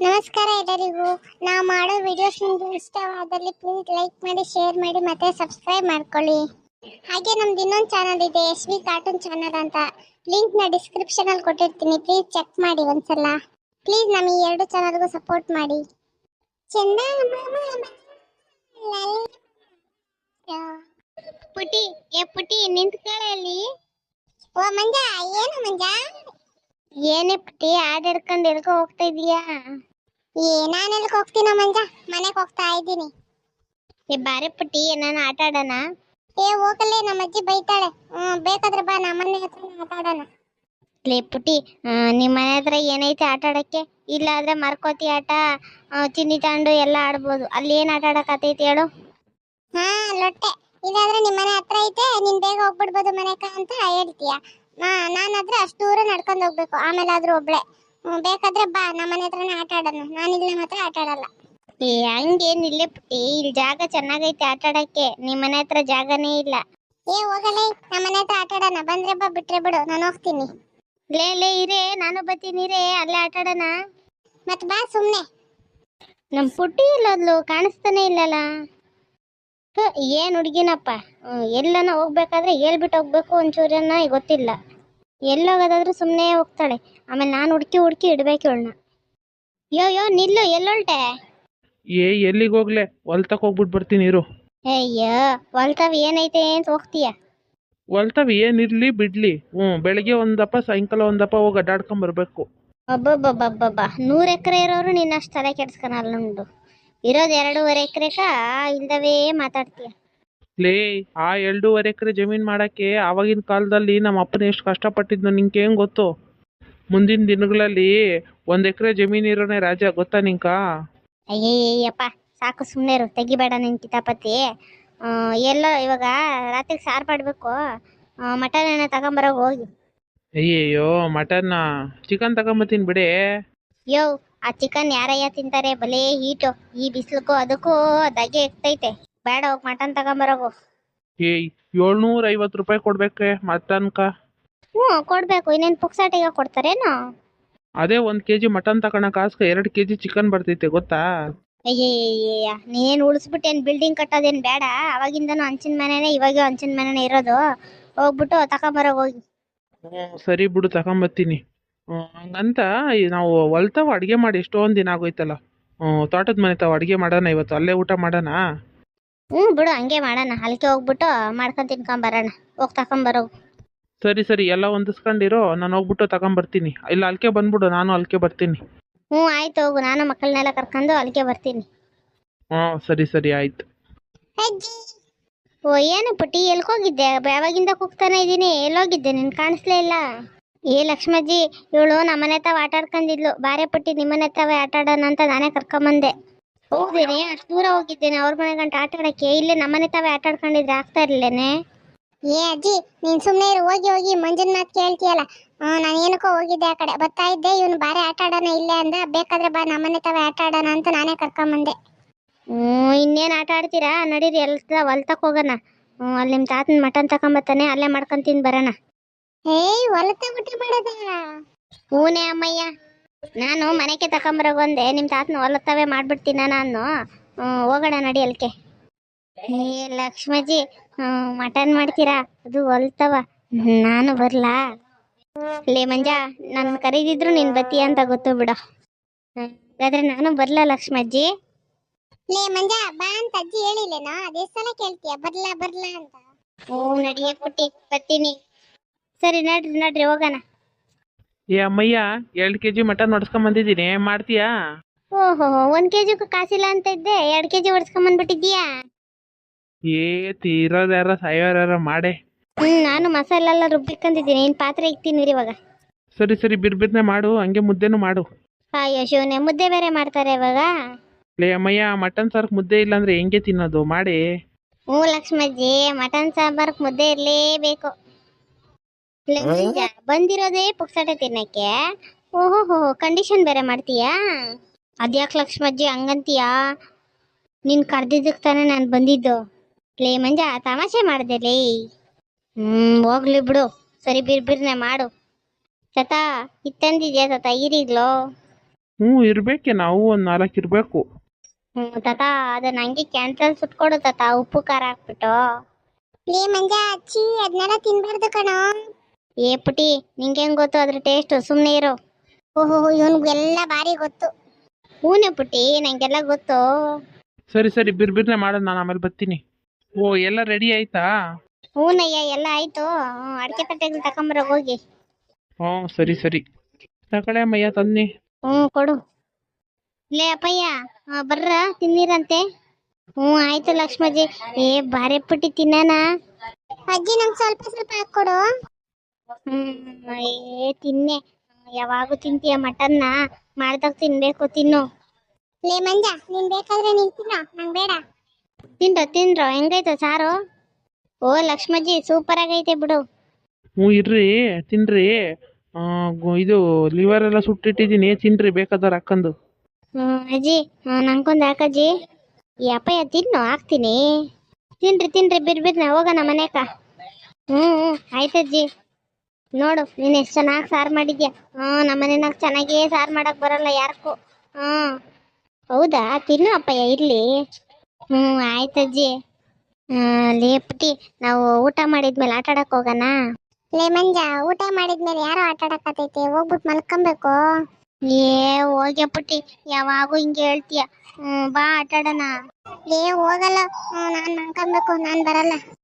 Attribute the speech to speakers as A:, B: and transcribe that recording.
A: ನಮಸ್ಕಾರ ಎಲ್ಲರಿಗೂ. ನಾವು ಮಾಡೋ ವಿಡಿಯೋಸ್ ನಿಮಗೆ ಇಷ್ಟವಾದಲ್ಲಿ ಪ್ಲೀಸ್ ಲೈಕ್ ಮಾಡಿ, ಶೇರ್ ಮಾಡಿ ಮತ್ತೆ ಸಬ್ಸ್ಕ್ರೈಬ್ ಮಾಡ್ಕೊಳ್ಳಿ. ಹಾಗೆ ನಮ್ದು ಇನ್ನೊಂದು ಚಾನಲ್ ಇದೆ, SV ಕಾರ್ಟೂನ್ ಚಾನಲ್ ಅಂತ. ಲಿಂಕ್ ನ ಡಿಸ್ಕ್ರಿಪ್ಷನ್ ಅಲ್ಲಿ ಕೊಟ್ಟಿರ್ತೀನಿ, ಪ್ಲೀಸ್ ಚೆಕ್ ಮಾಡಿ ಒಂದ್ಸಲ. ಪ್ಲೀಸ್ ನಮ್ಮ ಈ ಎರಡು ಚಾನಲ್ಗೂ ಸಪೋರ್ಟ್ ಮಾಡಿ. ಚಂದ ಪುಟಿ ಪುಟಿ ನಿಂತ್ಕೊಳ್ಳಿ. ಓ ಮಂಜ, ಏನು ಮಂಜ? ಏನೇ ಪುಟಿ ಹಾಡು ಹಿಡ್ಕೊಂಡು ಎಲ್ಕೋ ಹೋಗ್ತಾ ಇದೀಯಾ? ನಾನು ಎಲ್ಕ ಹೋಗ್ತೀನ ಮಂಜ, ಮನೆಗೆ ಹೋಗ್ತಾ ಇದ್ದೀನಿ. ಬಾರೆ ಪುಟ್ಟಿ, ನಾನು ಆಟ ಆಡೋಣ? ಹೋಗಲೇ, ನಮ್ಮ ಅಜ್ಜಿ ಬೈತಾಳೆ. ಬೇಕಾದ್ರೆ ಬಾ, ನಮ್ಮನೆ ಹತ್ರ ಆಟ ಆಡೋಣ. ಲೇ ಪುಟ್ಟಿ, ನಿಮ್ಮ ಮನೆ ಹತ್ರ ಏನೈತೆ ಆಟ ಆಡಕ್ಕೆ? ಇಲ್ಲ ಆದ್ರೆ ಮರ್ಕೋತಿ ಆಟ, ಚಿನ್ನಿ ತಾಂಡು ಎಲ್ಲ ಆಡ್ಬೋದು. ಅಲ್ಲಿ ಏನ್ ಆಟ ಆಡಕತ್ತೈತಿ ಹೇಳು? ಲೊಟ್ಟೆ. ಇದಾದ್ರೆ ನಿಮ್ಮ ಮನೆ ಹತ್ರ ಐತೆ, ನೀನ್ ಬೇಗ ಹೋಗ್ಬಿಡ್ಬೋದು ಮನೆಕ ಅಂತ ಹೇಳ್ತೀಯ. ನಾನಾದ್ರೆ ಅಷ್ಟು ದೂರ ನಡ್ಕೊಂಡು ಹೋಗ್ಬೇಕು, ಆಮೇಲೆ ಆದ್ರೂ ಒಬ್ಳೆ. ಬೇಕಾದ್ರೆ ಬಾ, ನಮ್ಮ ಮನೆ ಹತ್ರನೇ ಆಟ ಆಡೋಣ. ನಾನಿಲ್ಲ ಮಾತ್ರ ಆಟ ಆಡಲ್ಲ. ಹಂಗೇನಿಲ್ಲ ಪುಟ್ಟಿ, ಇಲ್ಲಿ ಜಾಗ ಚೆನ್ನಾಗೈತೆ ಆಟ ಆಡಕ್ಕೆ. ನಿಮ್ಮ ಮನೆ ಹತ್ರ ಜಾಗನೇ ಇಲ್ಲ. ಹೋಗಲೇ, ನಮ್ಮ ಮನೆ ಹತ್ರ ಆಟ ಆಡೋಣ. ಬಂದ್ರೆ ಬಾ, ಬಿಟ್ರೆ ಬಿಡು, ನಾನು ಹೋಗ್ತೀನಿ. ಲೇ ಇರೇ, ನಾನು ಬರ್ತೀನಿ ರೇ, ಅಲ್ಲೇ ಆಟ ಆಡೋಣ. ಮತ್ ಬಾ ಸುಮ್ನೆ. ನಮ್ ಪುಟ್ಟಿ ಇಲ್ಲದ್ಲು, ಕಾಣಿಸ್ತಾನೆ ಇಲ್ಲಲ್ಲ. ಏನ್ ಹುಡುಗಿನಪ್ಪ, ಎಲ್ಲನ ಹೋಗ್ಬೇಕಾದ್ರೆ ಹೇಳ್ಬಿಟ್ಟು ಹೋಗ್ಬೇಕು, ಒಂಚೂರನ್ನ ಗೊತ್ತಿಲ್ಲ. ಎಲ್ಲೋಗೋದಾದ್ರೂ ಸುಮ್ಮನೆ ಹೋಗ್ತಾಳೆ. ಆಮೇಲೆ ನಾನು ಹುಡುಕಿ ಇಡ್ಬೇಕು ಇವಳನ್ನ. ಯೋ ನಿಲ್ಲು, ಎಲ್ಲೊಳ್ಟೆ?
B: ಎಲ್ಲಿಗೆ ಹೋಗ್ಲೆ, ಹೊಲ್ತಕ್ ಹೋಗ್ಬಿಟ್ಟು ಬರ್ತೀನಿ ಇರು.
A: ಅಯ್ಯೋ, ಹೊಲ್ತಾವ್ ಏನೈತೆ ಅಂತ ಹೋಗ್ತೀಯ?
B: ಹೊಲ್ತವ್ ಏನಿರ್ಲಿ ಬಿಡ್ಲಿ, ಬೆಳಗ್ಗೆ ಒಂದಪ್ಪ ಸಾಯಂಕಾಲ ಒಂದಪ್ಪ ಹೋಗಿ ಅಡ್ಡಾಡ್ಕೊಂಡ್ ಬರ್ಬೇಕು.
A: ಒಬ್ಬೊಬ್ಬೊಬ್ಬೊಬ್ಬ 100 ಎಕರೆ ಇರೋರು ನಿನ್ನಷ್ಟು ತಲೆ ಕೆಡ್ಸ್ಕೊಳಲ್ಲ ಉಂಡು. ಇರೋದು 2.5 ಎಕರೆಕ ಇಲ್ದವೇ ಮಾತಾಡ್ತೀಯ.
B: ಲೇ, ಆ 2.5 ಎಕರೆ ಜಮೀನ್ ಮಾಡಕ್ಕೆ ಆವಾಗಿನ ಕಾಲದಲ್ಲಿ ನಮ್ಮ ಅಪ್ಪನ ಎಷ್ಟು ಕಷ್ಟಪಟ್ಟಿದ್ನೋ ನಿಂಗೆ ಹೆಂಗ್ ಗೊತ್ತು? ಮುಂದಿನ ದಿನಗಳಲ್ಲಿ 1 ಎಕರೆ ಜಮೀನ್ ಇರೋನೇ ರಾಜ, ಗೊತ್ತಾ ನಿಂಕ?
A: ಅಯ್ಯಯ್ಯಪ್ಪ, ಸಾಕು ಸುಮ್ಮನೆ ಇರು, ತೆಗಿಬೇಡ ನಿನ್ ಕಿತಾಪತಿ. ಎಲ್ಲೋ ಇವಾಗ ರಾತ್ರಿಗೆ ಸಾರು ಮಾಡಬೇಕು, ಮಟನ್ ಏನೋ ತಗೊಂಬರೋಗಿ ಹೋಗಿ.
B: ಅಯ್ಯಯ್ಯೋ, ಮಟನ್ನ ಚಿಕನ್ ತಗೊಂಬತ್ತೀನಿ ಬಿಡೇ.
A: ಯೋ, ಆ ಚಿಕನ್ ಯಾರಯ್ಯ ತಿಂತಾರೆ? ಭಲೇ ಹೀಟು, ಈ ಬಿಸಿಲಕ್ಕೂ ಅದಕ್ಕೂ ದಗೆ ಎಕ್ತೈತೆ. ಬೇಡ, ಹೋಗಿ ಮಟನ್ ತಗೊಂಬರೋಗು.
B: 750 ರೂಪಾಯಿ ಕೊಡ್ಬೇಕೆ ಮಟನ್ಕ?
A: ಕೊಡ್ಬೇಕು, ಇನ್ನೇನು ಪುಕ್ಸಾಟಿಗೆ ಕೊಡ್ತಾರೇನು?
B: ಅದೇ 1 kg ಮಟನ್ ತಗೊಳಕ್ ಆಸ್ಕ 2 kg ಚಿಕನ್ ಬರ್ತೈತೆ, ಗೊತ್ತಾ?
A: ಅಯ್ಯಯ್ಯ, ನೀನೇನು ಉಳಿಸ್ಬಿಟ್ಟೇನು ಬಿಲ್ಡಿಂಗ್ ಕಟ್ಟೋದೇನು ಬೇಡ? ಅವಾಗಿಂದನೂ ಹಂಚಿನ ಮನೆನೇ, ಇವಾಗ ಹಂಚಿನ ಮನೆನೇ ಇರೋದು. ಹೋಗ್ಬಿಟ್ಟು ತಗೊಂಬರೋಗಿ ಹೋಗಿ.
B: ಸರಿ ಬಿಡು, ತಗೊಂಬತ್ತೀನಿ. ಹಂಗಂತ ನಾವು ಹೊಲ್ತಾವ ಅಡುಗೆ ಮಾಡಿ ಎಷ್ಟೊಂದು ದಿನ ಆಗೋಯ್ತಲ್ಲ. ತೋಟದ ಮನೆ ತಾವ ಅಡುಗೆ ಮಾಡೋಣ ಇವತ್ತು, ಅಲ್ಲೇ ಊಟ ಮಾಡೋಣ.
A: ಬಿಡು, ಹಂಗೆ ಮಾಡೋಣ. ಅಲ್ಲಿಗೆ ಹೋಗ್ಬಿಟ್ಟು ಮಾಡ್ಕೊಂಡು ತಿನ್ಕೊಂಬರೋಣ. ಹೋಗಿ ತಗೊಂಬರೋಗು.
B: ಸರಿ ಎಲ್ಲ ಹೊಂದಿಸ್ಕೊಂಡಿರೋ, ನಾನು ಹೋಗ್ಬಿಟ್ಟು ತಗೊಂಬರ್ತೀನಿ. ಇಲ್ಲ ಅಲ್ಕೆ ಬಂದ್ಬಿಡು, ನಾನು ಅಲ್ಕೆ ಬರ್ತೀನಿ.
A: ಆಯ್ತು, ಹೋಗು. ನಾನು ಮಕ್ಕಳನ್ನೆಲ್ಲ ಕರ್ಕೊಂಡು ಅಲ್ಲಿಗೆ ಬರ್ತೀನಿ.
B: ಸರಿ ಆಯ್ತು.
A: ಏನು ಪುಟ್ಟಿ, ಎಲ್ಕೋಗಿದ್ದೆ? ಯಾವಾಗಿಂದ ಕೂಗ್ತಾನೆ ಇದ್ದೀನಿ, ಎಲ್ಲೋಗಿದ್ದೆ? ನಿನ್ ಕಾಣಿಸ್ಲೇ ಇಲ್ಲ. ಲಕ್ಷ್ಮಜ್ಜಿ, ಇವಳು ನಮ್ಮನೆ ತಾವ ಆಟ ಆಡ್ಕೊಂಡಿದ್ಲು. ಬಾರೆ ಪುಟ್ಟಿ, ನಿಮ್ಮನೆ ತಾವೇ ಆಟ ಆಡೋಣ ಅಂತ ನಾನೇ ಕರ್ಕೊಂಬಂದೆ. ಹೋಗ್ದೇನೆ, ಅಷ್ಟು ದೂರ ಹೋಗಿದ್ದೇನೆ ಅವ್ರ ಮನೆ ಗಂಟ ಆಟ ಆಡಕ್ಕೆ. ಇಲ್ಲೇ ನಮ್ಮನೆ ತಾವೇ ಆಟ ಆಡ್ಕೊಂಡಿದ್ರೆ ಆಗ್ತಾ ಇರ್ಲೇನೆ. ಅಜ್ಜಿ, ನೀನ್ ಸುಮ್ಮನೆ ಹೋಗಿ ಮಂಜನ್ ಮಾತು ಕೇಳ್ತೀಯಲ್ಲ. ನಾನು ಏನಕ್ಕೋ ಹೋಗಿದ್ದೆ ಆ ಕಡೆ, ಬರ್ತಾ ಇದ್ದೆ. ಇವನು ಬಾರೆ ಆಟ ಆಡೋಣ ಇಲ್ಲೇ ಅಂದ. ಬೇಕಾದ್ರೆ ಬಾ, ನಮ್ಮನೆ ತಾವೇ ಆಟ ಆಡೋಣ ಅಂತ ನಾನೇ ಕರ್ಕೊಂಬಂದೆ. ಇನ್ನೇನು ಆಟ ಆಡ್ತೀರಾ? ನಡೀರಿ, ಹೊಲ್ತಕ್ ಹೋಗೋಣ. ಅಲ್ಲಿ ನಿಮ್ಮ ತಾತನ ಮಟನ್ ತಗೊಂಬತ್ತಾನೆ, ಅಲ್ಲೇ ಮಾಡ್ಕೊಂಡು ತಿಂದು ಬರೋಣ. ಹೊಲತ ಊಟ ಮಾಡೋದ? ಹೂನೇ ಅಮ್ಮಯ್ಯ, ನಾನು ಮನೆಗೆ ತಗೊಂಬರೋಗೊಂದೆ, ನಿಮ್ಮ ತಾತನ ಹೊಲತ್ತವೇ ಮಾಡ್ಬಿಡ್ತೀನ ನಾನು. ಹೋಗೋಣ ನಡಿ ಅಲ್ಕೆ. ಲಕ್ಷ್ಮಜ್ಜಿ, ಮಟನ್ ಮಾಡ್ತೀರಾ? ಅದು ಹೊಲ್ತವ, ನಾನು ಬರ್ಲಾ? ಲೇ ಮಂಜ, ನನ್ನ ಕರೀದಿದ್ರು ನೀನು ಬತ್ತೀಯ ಅಂತ ಗೊತ್ತು ಬಿಡು. ಹಾಗಾದ್ರೆ ನಾನು ಬರ್ಲಾ ಲಕ್ಷ್ಮಜ್ಜಿ? ಲೇ ಮಂಜ, ಬಾ ಅಂತ ಅಜ್ಜಿ ಹೇಳಿಲ್ಲೇನೋ? ಅದೇ ಸಲ ಕೇಳ್ತೀಯ ಬರ್ಲಾ ಅಂತ. ನಡಿಯೇ ಪುಟ್ಟಿ, ಬರ್ತೀನಿ. ಸರಿ, ನಡ್ರಿ ಹೋಗೋಣ.
B: ಅಮ್ಮಯ್ಯ, 2 kg ಮಟನ್ ಹೊಡ್ಸ್ಕೊಂಡ್ ಬಂದಿದ್ದೀನಿ, ಮಾಡ್ತೀಯಾ?
A: ಓಹೋ, 1 kg ಕಾಸಿಲ್ಲ ಅಂತ ಇದ್ದೆ, 2 kg ಹೊಡ್ಸ್ಕೊಂಬಂದ್ಬಿಟ್ಟಿದ್ದೀಯಾ?
B: ತೀರೋದ್ಯಾರ ಸಾಯೋರ್ಯಾರ ಮಾಡೇ.
A: ನಾನು ಮಸಾಲೆ ಎಲ್ಲ ರುಬ್ಬಿಕೊಂಡಿದ್ದೀನಿ. ಇನ್ನು ಪಾತ್ರೆ ಇಕ್ತೀನಿ ಇವಾಗ.
B: ಸರಿ ಬಿರ್ಬಿರ್ನೆ ಮಾಡು, ಹಂಗೆ ಮುದ್ದೆನೂ ಮಾಡು.
A: ಅಯ್ಯೋ ಶಿವನೇ, ಮುದ್ದೆ ಬೇರೆ ಮಾಡ್ತಾರೆ ಇವಾಗ?
B: ಲೇ ಅಮ್ಮಯ್ಯ, ಮಟನ್ ಸಾರ್ಕ್ ಮುದ್ದೆ ಇಲ್ಲ ಅಂದ್ರೆ ಹೆಂಗೆ ತಿನ್ನೋದು? ಮಾಡಿ.
A: ಲಕ್ಷ್ಮಜ್ಜಿ, ಮಟನ್ ಸಾಂಬಾರ್ಕ್ ಮುದ್ದೆ ಇರ್ಲೇಬೇಕು. ಬಂದಿರೋದೇ ಪುಕ್ಸಟೆ ತಿನ್ನಕ್ಕೆ. ಓಹೋ, ಕಂಡೀಷನ್ ಬೇರೆ ಮಾಡ್ತೀಯಾ? ಅದ್ಯಾಕೆ ಲಕ್ಷ್ಮಜ್ಜಿ ಹಂಗಂತೀಯಾ? ನೀನ್ ಕರ್ದಿದ್ದಕ್ಕೆ ತಾನೇ ನಾನು ಬಂದಿದ್ದು. ಲೇ ಮಂಜ, ತಮಾಷೆ ಮಾಡ್ದೆ ಲೇ. ಹೋಗ್ಲಿ ಬಿಡು. ಸರಿ, ಬಿರ್ನೆ ಮಾಡು. ತತ ಇತ್ತಂದಿದ್ಯಾ ತತ ಈರಿಗ್ಲೋ?
B: ಹ್ಞೂ ಇರ್ಬೇಕೆ ನಾವು ಒಂದು 4 ಇರಬೇಕು.
A: ತಾತ ಅದನ್ನ ಹಂಗೆ ಕ್ಯಾನ್ಸಲ್ ಸುಟ್ಕೊಡು ತಾತ, ಉಪ್ಪು ಖಾರ ಹಾಕ್ಬಿಟ್ಟು. ಲೇ ಮಂಜ ಅಚ್ಚಿ ಅದನ್ನೆಲ್ಲ ತಿನ್ಬಾರ್ದು ಕಣೋ. ಏ ಪುಟಿ ನಿಂಗೆ ಹೆಂಗ್ ಗೊತ್ತು ಅದ್ರ ಟೇಸ್ಟ್, ಸುಮ್ಮನೆ ಇರು. ಓಹೋ ಇವನ್ಗೆಲ್ಲ ಭಾರಿ ಗೊತ್ತು. ಹೂನೆ ಪುಟಿ ನಂಗೆಲ್ಲ ಗೊತ್ತು.
B: ಸರಿ ಸರಿ ಬಿರ್ಬಿರ್ನೆ ಮಾಡೋಣ, ನಾನು ಆಮೇಲೆ ಬರ್ತೀನಿ. ಓ ಎಲ್ಲ ರೆಡಿ ಆಯ್ತಾ?
A: ಹೂನಯ್ಯ ಎಲ್ಲ ಆಯ್ತು. ಅಡಿಕೆ ತಟ್ಟೆಗಳು ತಕೊಂಬರ ಹೋಗಿ.
B: ಹ್ಞೂ ಸರಿ ಸರಿ ತಗೊಳ್ಳೆ ಅಮ್ಮಯ್ಯ ತನ್ನಿ.
A: ಕೊಡು. ಲೇ ಅಪ್ಪಯ್ಯ ಬರ್ರ ತಿನ್ನಿರಂತೆ. ಆಯ್ತು ಲಕ್ಷ್ಮಜ್ಜಿ. ಏ ಬಾರೆ ಪುಟ್ಟಿ ತಿನ್ನಣ. ಅಜ್ಜಿ ನಂಗೆ ಸ್ವಲ್ಪ ಸ್ವಲ್ಪ ಹಾಕೊಡು. ಏ ತಿನ್ನೆ, ಯಾವಾಗೂ ತಿಂತೀಯ ಮಟನ್ನ, ಮಾಡ್ದಾಗ ತಿನ್ಬೇಕು, ತಿನ್ನು. ಲೇ ಮಂಜ ನೀನ್ ಬೇಕಾದ್ರೆ ನೀನ್ ತಿನ್ನೋ, ನಂಗೆ ಬೇಡ. ತಿನ್ರೋ ಹೆಂಗೈತೆ ಸಾರು? ಓ ಲಕ್ಷ್ಮಜ್ಜಿ ಸೂಪರ್ ಆಗೈತೆ ಬಿಡು.
B: ಹ್ಞೂ ಇರ್ರಿ ತಿನ್ರಿ. ಇದು ಲಿವರ್ ಎಲ್ಲ ಸುಟ್ಟಿಟ್ಟಿದ್ದೀನಿ, ತಿನ್ರಿ ಬೇಕಾದ್ರೆ ಹಾಕ್ಕಂದು.
A: ಅಜ್ಜಿ ನಂಗೊಂದು ಹಾಕಜ್ಜಿ. ಈ ಅಪ್ಪಯ್ಯ ತಿನ್ನು ಹಾಕ್ತೀನಿ. ತಿನ್ರಿ ಬಿರ್ಬಿರ್ನ ಹೋಗೋಣ ಮನೆಕ. ಆಯ್ತಜ್ಜಿ. ನೋಡು ನೀನು ಎಷ್ಟು ಚೆನ್ನಾಗಿ ಸಾರು ಮಾಡಿದ್ಯಾ. ನಮ್ಮ ಮನೆನಾಗ ಚೆನ್ನಾಗೇ ಸಾರು ಮಾಡಕ್ ಬರಲ್ಲ ಯಾರಕ್ಕೂ. ಹೌದಾ, ತಿನ್ನು ಅಪ್ಪಯ್ಯ ಇರ್ಲಿ. ಆಯ್ತಜ್ಜಿ. ಲೇ ಪುಟಿ ನಾವು ಊಟ ಮಾಡಿದ್ಮೇಲೆ ಆಟ ಆಡಕ್ ಹೋಗೋಣ. ಲೇ ಮಂಜ ಊಟ ಮಾಡಿದ್ಮೇಲೆ ಯಾರೋ ಆಟ ಆಡಕತ್ತೈತೆ, ಹೋಗ್ಬಿಟ್ಟು ಮಲ್ಕೊಬೇಕು. ಏ ಹೋಗ್ಯ ಪುಟ್ಟಿ ಯಾವಾಗೂ ಹಿಂಗೆ ಹೇಳ್ತೀಯ. ಬಾ ಆಟ ಆಡೋಣ. ಲೇ ಹೋಗಲ್ಲ, ನಾನ್ ಮಲ್ಕೊಬೇಕು, ನಾನ್ ಬರಲ್ಲ.